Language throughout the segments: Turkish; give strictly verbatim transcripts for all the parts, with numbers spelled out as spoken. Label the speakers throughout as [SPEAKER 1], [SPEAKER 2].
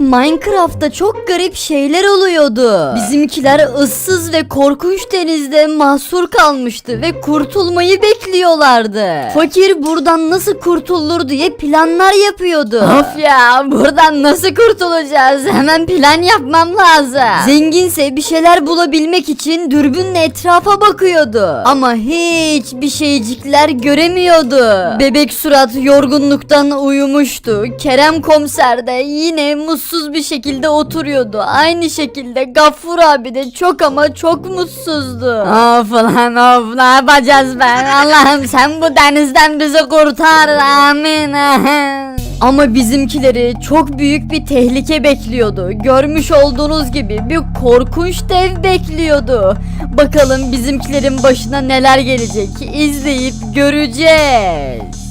[SPEAKER 1] Minecraft'ta çok garip şeyler oluyordu. Bizimkiler ıssız ve korkunç denizde mahsur kalmıştı ve kurtulmayı bekliyorlardı. Fakir buradan nasıl kurtulur diye planlar yapıyordu. Of ya, buradan nasıl kurtulacağız? Hemen plan yapmam lazım. Zenginse bir şeyler bulabilmek için dürbünle etrafa bakıyordu. Ama hiçbir şeycikler göremiyordu. Bebek Surat yorgunluktan uyumuştu. Kerem Komiser de yine mutsuz bir şekilde oturuyordu. Aynı şekilde Gaffur abi de çok ama çok mutsuzdu. Of lan of, ne yapacağız ben? Allah'ım sen bu denizden bizi kurtar, amin. Ama bizimkileri çok büyük bir tehlike bekliyordu. Görmüş olduğunuz gibi bir korkunç dev bekliyordu. Bakalım bizimkilerin başına neler gelecek, izleyip göreceğiz.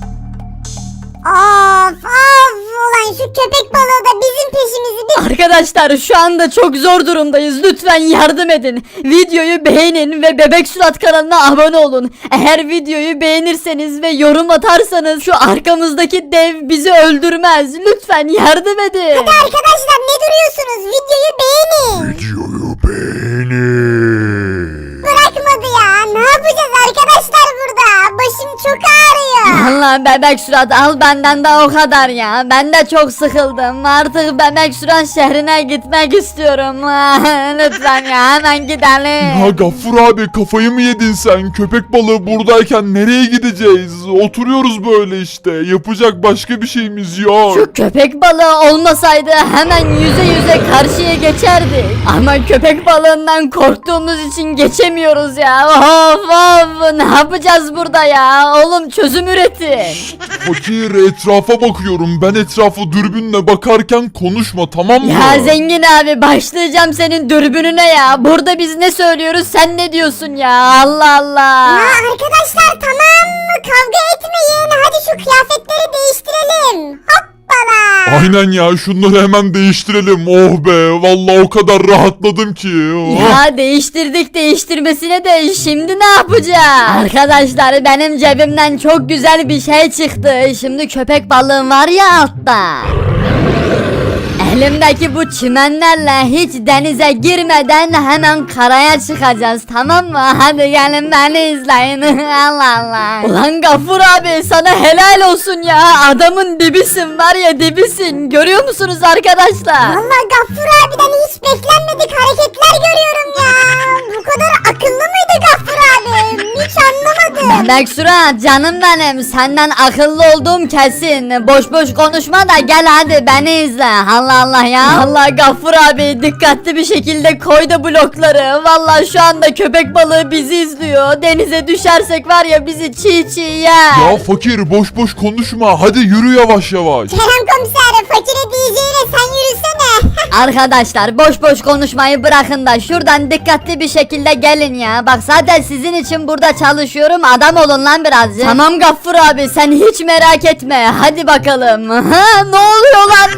[SPEAKER 2] Of of, ulan şu köpek balığı da bizim peşimizi bir...
[SPEAKER 1] Arkadaşlar şu anda çok zor durumdayız. Lütfen yardım edin. Videoyu beğenin ve Bebek Surat kanalına abone olun. Eğer videoyu beğenirseniz ve yorum atarsanız şu arkamızdaki dev bizi öldürmez. Lütfen yardım edin.
[SPEAKER 2] Hadi arkadaşlar, ne duruyorsunuz? Videoyu beğenin.
[SPEAKER 3] Videoyu beğenin.
[SPEAKER 2] Bırakmadı ya. Ne yapacağız arkadaşlar burada? Başım çok ağrıyor.
[SPEAKER 1] Allah, Bebek Surat al benden de o kadar ya. Ben de çok sıkıldım. Artık Bebek Surat şehrine gitmek istiyorum. Lütfen ya, hemen gidelim.
[SPEAKER 3] Ya Gaffur abi, kafayı mı yedin sen? Köpek balığı buradayken nereye gideceğiz? Oturuyoruz böyle işte. Yapacak başka bir şeyimiz yok.
[SPEAKER 1] Şu köpek balığı olmasaydı hemen yüze yüze karşıya geçerdik. Ama köpek balığından korktuğumuz için geçemiyoruz ya. Of of, ne yapacağız burada ya? Oğlum çözüm üretin.
[SPEAKER 3] Fakir, etrafa bakıyorum. Ben etrafa dürbünle bakarken konuşma, tamam mı?
[SPEAKER 1] Ya zengin abi, başlayacağım senin dürbününe ya. Burada biz ne söylüyoruz, sen ne diyorsun ya? Allah Allah.
[SPEAKER 2] Ya arkadaşlar, tamam mı? Kavga etmeyin. Hadi şu kıyafetleri değiştirelim. Hoppala.
[SPEAKER 3] Aynen ya, şunları hemen değiştirelim. Oh be, vallahi o kadar rahatladım ki. Oh.
[SPEAKER 1] Ya değiştirdik değiştirmesine de şimdi ne yapacağız? Arkadaşlar benim cebimden çok güzel bir şey çıktı. Şimdi köpek balığım var ya altta. Elimdeki bu çimenlerle hiç denize girmeden hemen karaya çıkacağız, tamam mı? Hadi gelin beni izleyin. Allah Allah. Ulan Gaffur abi, sana helal olsun ya. Adamın dibisin var ya, dibisin. Görüyor musunuz arkadaşlar?
[SPEAKER 2] Vallahi Gaffur abiden hiç beklenmedik hareketler görüyorum ya. Bu kadar akıllı mıydı Gaffur abi? Hiç anlamadım.
[SPEAKER 1] Bebek Surat canım benim, senden akıllı olduğum kesin. Boş boş konuşma da gel hadi beni izle. Allah Allah ya. Allah Gaffur abi, dikkatli bir şekilde koy da blokları. Vallahi şu anda köpek balığı bizi izliyor. Denize düşersek var ya, bizi çiğ çiğ yer.
[SPEAKER 3] Ya fakir, boş boş konuşma. Hadi yürü yavaş yavaş.
[SPEAKER 2] Kerem Komiser, fakire diyeceğine sen yürüsene.
[SPEAKER 1] Arkadaşlar boş boş konuşmayı bırakın da şuradan dikkatli bir şekilde gelin ya. Bak zaten sizin için burada çalışıyorum, adam olun lan birazcık. Tamam Gaffur abi, sen hiç merak etme. Hadi bakalım. Ha, ne oluyor lan?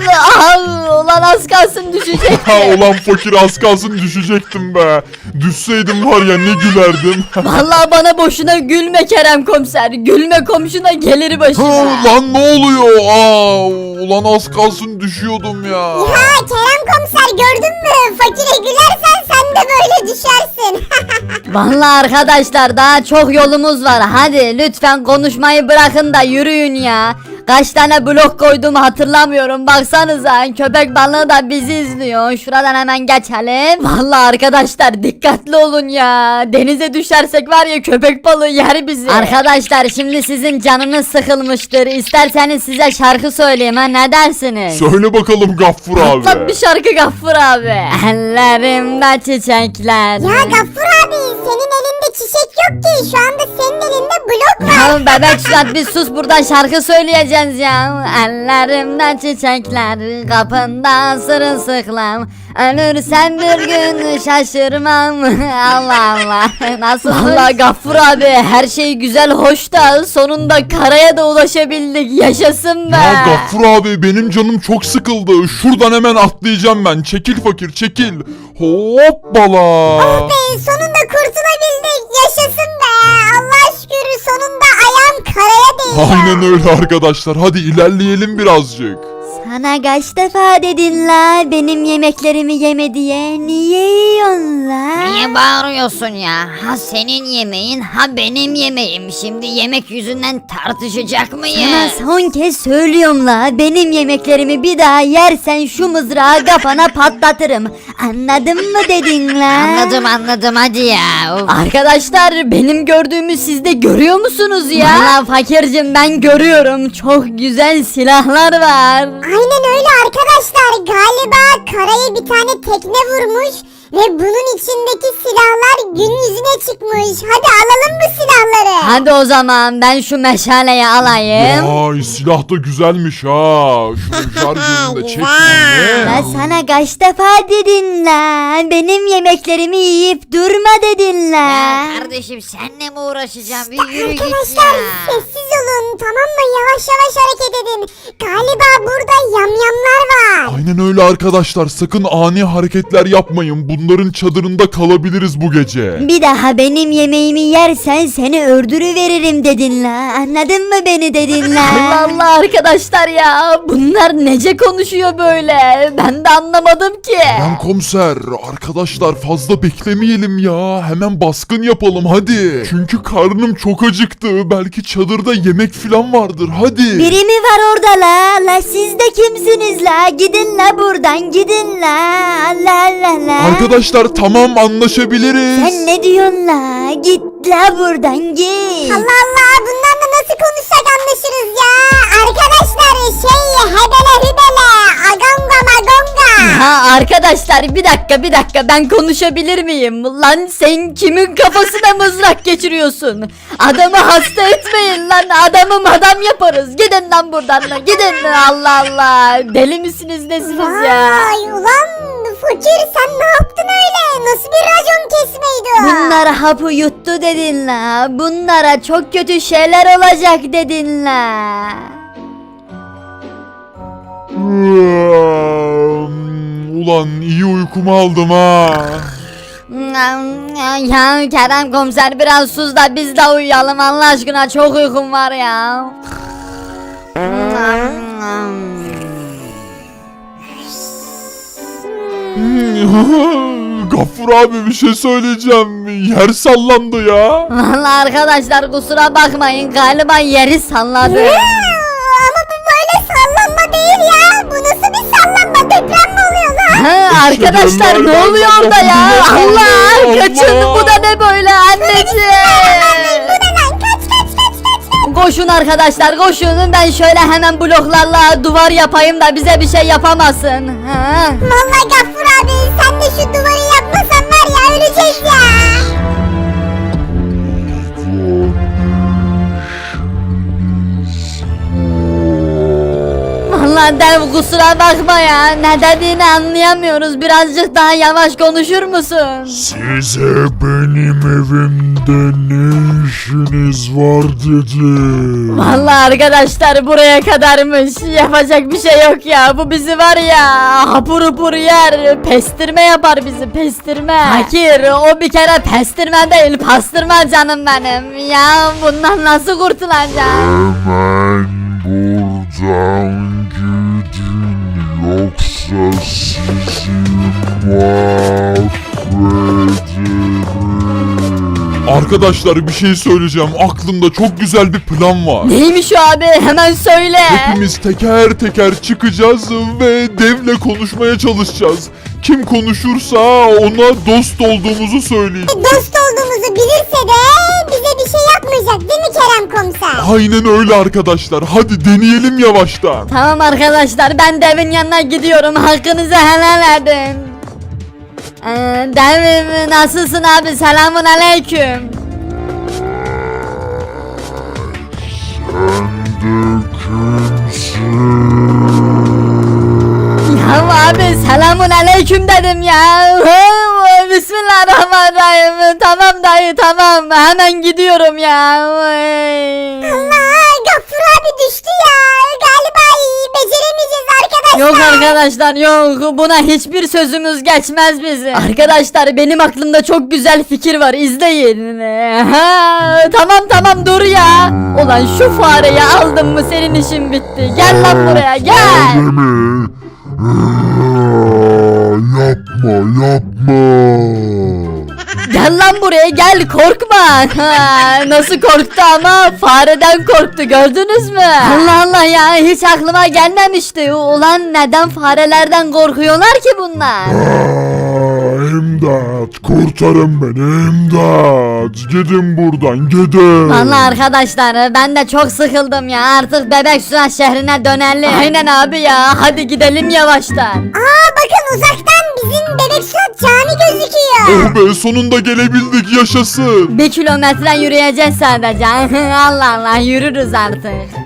[SPEAKER 1] Ah, ulan az kalsın düşecek.
[SPEAKER 3] Ha ulan fakir, az kalsın düşecektim be. Düşseydim var ya, ne gülerdim.
[SPEAKER 1] Vallahi bana boşuna gülme Kerem Komiser. Gülme, komşuna gelir
[SPEAKER 3] Ha,
[SPEAKER 1] başına.
[SPEAKER 3] lan ne oluyor? Aa, ulan az kalsın düşüyordum ya.
[SPEAKER 2] Ha Kerem Komiser, gördün mü? Fakire gülersen sen de böyle düşersin.
[SPEAKER 1] Vallahi arkadaşlar daha çok yolumuz var. Hadi lütfen konuşmayı bırakın da yürüyün ya. Kaç tane blok koydum hatırlamıyorum. Baksanıza, köpek balığı da bizi izliyor. Şuradan hemen geçelim. Vallahi arkadaşlar dikkatli olun ya. Denize düşersek var ya, köpek balığı yer bizi. Arkadaşlar şimdi sizin canınız sıkılmıştır. İsterseniz size şarkı söyleyeyim, ha, ne dersiniz?
[SPEAKER 3] Söyle bakalım Gaffur abi.
[SPEAKER 1] Patlat bir şarkı Gaffur abi. Ellerimde çiçekler.
[SPEAKER 2] Ya Gaffur abi, senin elinde çiçek yok ki. Şu anda senin elinde blok var.
[SPEAKER 1] Ya Bebek Suat bir sus, buradan şarkı söyleyeceğiz ya. Ellerimden çiçekler, kapında sırılsıklam. Ölürsem bir gün şaşırmam. Allah Allah. Nasıl? Vallahi Gaffur abi, her şey güzel hoş da sonunda karaya da ulaşabildik. Yaşasın be.
[SPEAKER 3] Ya Gaffur abi, benim canım çok sıkıldı. Şuradan hemen atlayacağım ben. Çekil fakir, çekil. Hoppala.
[SPEAKER 2] Be, sonunda kurtulabildik. Yaşasın be. Allah şükür, sonunda ayağım karaya değdi.
[SPEAKER 3] Aynen öyle arkadaşlar. Hadi ilerleyelim birazcık.
[SPEAKER 1] Sana kaç defa dedin la benim yemeklerimi yeme diye. Niye yiyorsun la?
[SPEAKER 4] Niye bağırıyorsun ya? Ha senin yemeğin ha benim yemeğim. Şimdi yemek yüzünden tartışacak
[SPEAKER 1] Sana
[SPEAKER 4] mıyız?
[SPEAKER 1] son kez söylüyorum la benim yemeklerimi bir daha yersen şu mızrağı kafana patlatırım. Anladın mı dedin la?
[SPEAKER 4] Anladım anladım hadi ya. Of.
[SPEAKER 1] Arkadaşlar benim gördüğümü siz de görüyor musunuz ya? Valla fakircim ben görüyorum. Çok güzel silahlar var.
[SPEAKER 2] Aynen öyle arkadaşlar. Galiba karaya bir tane tekne vurmuş ve bunun içindeki silahlar gün yüzüne çıkmış. Hadi alalım bu silahları.
[SPEAKER 1] Hadi o zaman ben şu meşaleyi alayım.
[SPEAKER 3] Vay silah da güzelmiş ha. Şunu şarjörünü de çekeyim.
[SPEAKER 1] Ben sana kaç defa dedin la? Benim yemeklerimi yiyip durma dedin la.
[SPEAKER 4] Ya kardeşim senle mi uğraşacağım? Bir yürü git
[SPEAKER 2] Arkadaşlar
[SPEAKER 4] ya.
[SPEAKER 2] sessiz olun, tamam mı? Yavaş yavaş hareket edin. Galiba burada yamyamlar var.
[SPEAKER 3] Aynen öyle arkadaşlar. Sakın ani hareketler yapmayın. Bunların çadırında kalabiliriz bu gece.
[SPEAKER 1] Bir daha benim yemeğimi yersen seni öldürüveririm dedin la. Anladın mı beni dedin la? Allah Allah arkadaşlar ya. Bunlar nece konuşuyor böyle? Ben de anlamadım ki.
[SPEAKER 3] Ben komiser. Arkadaşlar fazla beklemeyelim ya. Hemen baskın yapalım hadi. Çünkü karnım çok acıktı. Belki çadırda yemek falan vardır. Hadi.
[SPEAKER 1] Biri mi var orada la? La siz de kimsiniz la? Gidin la buradan gidin la. Allah Allah la.
[SPEAKER 3] Arkadaşlar tamam anlaşabiliriz.
[SPEAKER 1] Sen ne diyorsun la? Git la buradan git.
[SPEAKER 2] Allah Allah, bunlarla nasıl konuşsak anlaşırız ya. Arkadaşlar şey hebele hübele agonga magonga.
[SPEAKER 1] Ha arkadaşlar bir dakika bir dakika ben konuşabilir miyim? Lan sen kimin kafasına mızrak geçiriyorsun? Adamı hasta etmeyin lan adamı madam yaparız. Gidin lan buradan lan gidin Allah Allah. Deli misiniz nesiniz ya?
[SPEAKER 2] Vay ulan fakir, sen ne yaptın öyle? Nasıl bir racon kesmeydi o?
[SPEAKER 1] Bunlar hapı yuttu dedin la. Bunlara çok kötü şeyler olacak dedin la.
[SPEAKER 3] Ulan iyi uykumu aldım ha.
[SPEAKER 1] Ya Kerem komiser biraz sus da biz de uyuyalım Allah aşkına çok uykum var ya.
[SPEAKER 3] Gaffur abi bir şey söyleyeceğim. Yer sallandı ya.
[SPEAKER 1] Vallahi arkadaşlar kusura bakmayın galiba yeri salladı.
[SPEAKER 2] Ee, Ama bu böyle sallanma değil ya. Bu nasıl bir sallanma? Deprem mi oluyor lan?
[SPEAKER 1] Ha, arkadaşlar ne oluyor orada ya? Allah kaçın bu da ne böyle anneciğim.
[SPEAKER 2] Bu ne lan? Kaç kaç kaç kaç kaç.
[SPEAKER 1] Koşun arkadaşlar koşun ben şöyle hemen bloklarla duvar yapayım da bize bir şey yapamasın. Ha.
[SPEAKER 2] Vallahi Gaffur abi, sen de şu duvarı yapmasan var ya, öleceğiz ya.
[SPEAKER 1] Vallahi dev kusura bakma ya ne dediğini anlayamıyoruz birazcık daha yavaş konuşur musun?
[SPEAKER 3] Size benim evimde ne işiniz var dedim.
[SPEAKER 1] Vallahi arkadaşlar buraya kadarmış yapacak bir şey yok ya bu bizi var ya hapur hapur yer pestirme yapar bizi pestirme. Fakir o bir kere pestirme değil pastırma canım benim ya bundan nasıl kurtulacağım?
[SPEAKER 3] Hemen buradan gidin yoksa sizi mahvederim. Arkadaşlar bir şey söyleyeceğim. Aklımda çok güzel bir plan var.
[SPEAKER 1] Neymiş o abi hemen söyle.
[SPEAKER 3] Hepimiz teker teker çıkacağız ve devle konuşmaya çalışacağız. Kim konuşursa ona dost olduğumuzu söyleyeceğiz.
[SPEAKER 2] Dost olduğumuzu bilirse de bize bir şey yapmayacak değil mi Kerem komiser?
[SPEAKER 3] Aynen öyle arkadaşlar. Hadi deneyelim yavaştan.
[SPEAKER 1] Tamam arkadaşlar ben devin yanına gidiyorum hakkınızı helal edin. Ee, devim nasılsın abi selamun aleyküm. Ya abi selamun aleyküm dedim ya. Bismillahirrahmanirrahim. Tamam dayı tamam hemen gidiyorum ya.
[SPEAKER 2] Allah, Gaffur abi düştü ya. Galiba beceremeyeceğiz arkadaşlar.
[SPEAKER 1] Yok arkadaşlar yok, buna hiçbir sözümüz geçmez bizim. Arkadaşlar benim aklımda çok güzel fikir var, izleyin. Ha, tamam tamam dur ya. Ulan şu fareyi aldım mı senin işin bitti. Gel lan buraya gel.
[SPEAKER 3] Öyle mi? Aa, yapma yapma.
[SPEAKER 1] Gel lan buraya gel, korkma. Ha, nasıl korktu ama, fareden korktu, gördünüz mü? Allah Allah ya, hiç aklıma gelmemişti. Ulan neden farelerden korkuyorlar ki bunlar?
[SPEAKER 3] Aa, İmdat kurtarın beni imdat. Gidin buradan gidin.
[SPEAKER 1] Vallahi arkadaşlar ben de çok sıkıldım ya, artık Bebek Sürat şehrine dönelim. Aynen abi ya, hadi gidelim yavaştan.
[SPEAKER 2] Aa bakın uzaktan bizim Bebek Sürat cami gözüküyor.
[SPEAKER 3] Oh be sonunda gelebildik yaşasın.
[SPEAKER 1] Bir kilometre yürüyeceğiz sadece. Allah Allah, yürürüz artık.